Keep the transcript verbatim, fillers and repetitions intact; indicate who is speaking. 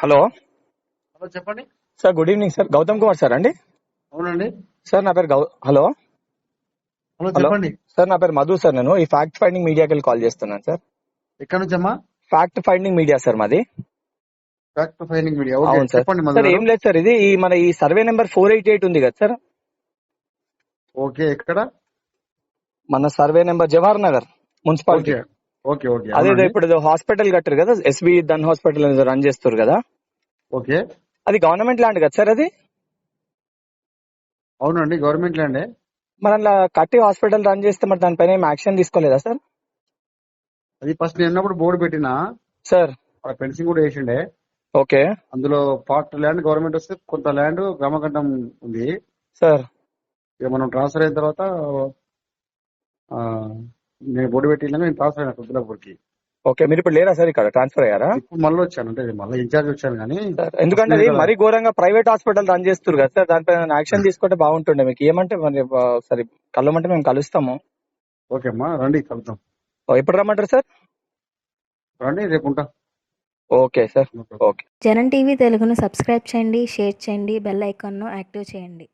Speaker 1: Hello
Speaker 2: hello చెప్పండి
Speaker 1: sir, good evening sir. Gautam Kumar sir అండి?
Speaker 2: అవునండి.
Speaker 1: సార్ నా పేరు గౌ హలో
Speaker 2: హలో
Speaker 1: హలో
Speaker 2: చెప్పండి.
Speaker 1: సార్, నా పేరు మధు సార్. నేను ఈ ఫ్యాక్ట్ ఫైండింగ్ మీడియాకి వెళ్ళి కాల్ చేస్తున్నాను సార్.
Speaker 2: ఎక్కడి నుంచి అమ్మా?
Speaker 1: ఫ్యాక్ట్ ఫైండింగ్ మీడియా సార్ మాది.
Speaker 2: Fact finding media. ఓకే
Speaker 1: అవును సార్.
Speaker 2: చెప్పండి మధు
Speaker 1: సార్
Speaker 2: గారు.
Speaker 1: ఏం లేదు సార్, ఇది ఈ మన ఈ survey number four eighty eight ఉంది కదా సార్,
Speaker 2: ఓకే ఎక్కడ?
Speaker 1: మన survey number Jawahar Nagar municipality.
Speaker 2: Okay okay okay
Speaker 1: అదే
Speaker 2: అవునండి.
Speaker 1: ఇప్పుడు ఏదో హాస్పిటల్ కట్టారు కదా, ఎస్బి దన్ హాస్పిటల్ ఏదో రన్ చేస్తారు కదా,
Speaker 2: ఓకే
Speaker 1: అది గవర్నమెంట్ ల్యాండ్ కదా సార్ అది?
Speaker 2: అవునండి గవర్నమెంట్ ల్యాండే.
Speaker 1: మరి అలా కట్టి హాస్పిటల్ రన్ చేస్తే మరి దానిపైన ఏం యాక్షన్ తీసుకోలేదా సార్?
Speaker 2: అది ఫస్ట్ నేను ఉన్నప్పుడు బోర్డు పెట్టినా,
Speaker 1: సార్
Speaker 2: ఫెన్సింగ్ కూడా వేసిండే.
Speaker 1: ఓకే
Speaker 2: అందులో పార్ట్ ల్యాండ్ గవర్నమెంట్ వస్తే కొంత ల్యాండ్ గ్రామకంఠం ఉంది.
Speaker 1: సార్.
Speaker 2: ఇక మనం ట్రాన్స్ఫర్ అయిన తర్వాత ఆ, నేను బోర్డు పెట్టినా నేను ట్రాన్స్ఫర్ అయినా కుద్దులాపూర్కి.
Speaker 1: ఓకే, మీరు ఇప్పుడు లేరా సార్, ఇక్కడ ట్రాన్స్ఫర్ అయ్యారా?
Speaker 2: ఇప్పుడు మళ్ళీ వచ్చాను, అంటే మళ్ళీ ఇన్ఛార్జ్ వచ్చాను కానీ
Speaker 1: సార్
Speaker 2: ఫస్ట్
Speaker 1: ఎందుకంటే
Speaker 2: నేను
Speaker 1: అది
Speaker 2: కదా.
Speaker 1: మరీ ఘోరంగా ప్రైవేట్ హాస్పిటల్ రన్ చేస్తారు కదా సార్, దానిపైన యాక్షన్ తీసుకుంటే బాగుంటుండే. మీకు ఏమంటే మరి ఆ, సరే కలవమంటే మేము కలుస్తాము.
Speaker 2: ఓకే అమ్మా రండి కలుద్దాం.
Speaker 1: ఓ, ఎప్పుడు రమ్మంటారు సార్?
Speaker 2: రండి రేపు ఉంటా.
Speaker 1: Okay sir. Okay.
Speaker 3: Janam TV తెలుగును సబ్స్క్రైబ్ చేయండి, షేర్ చేయండి, బెల్ ఐకాన్ను యాక్టివ్ చేయండి.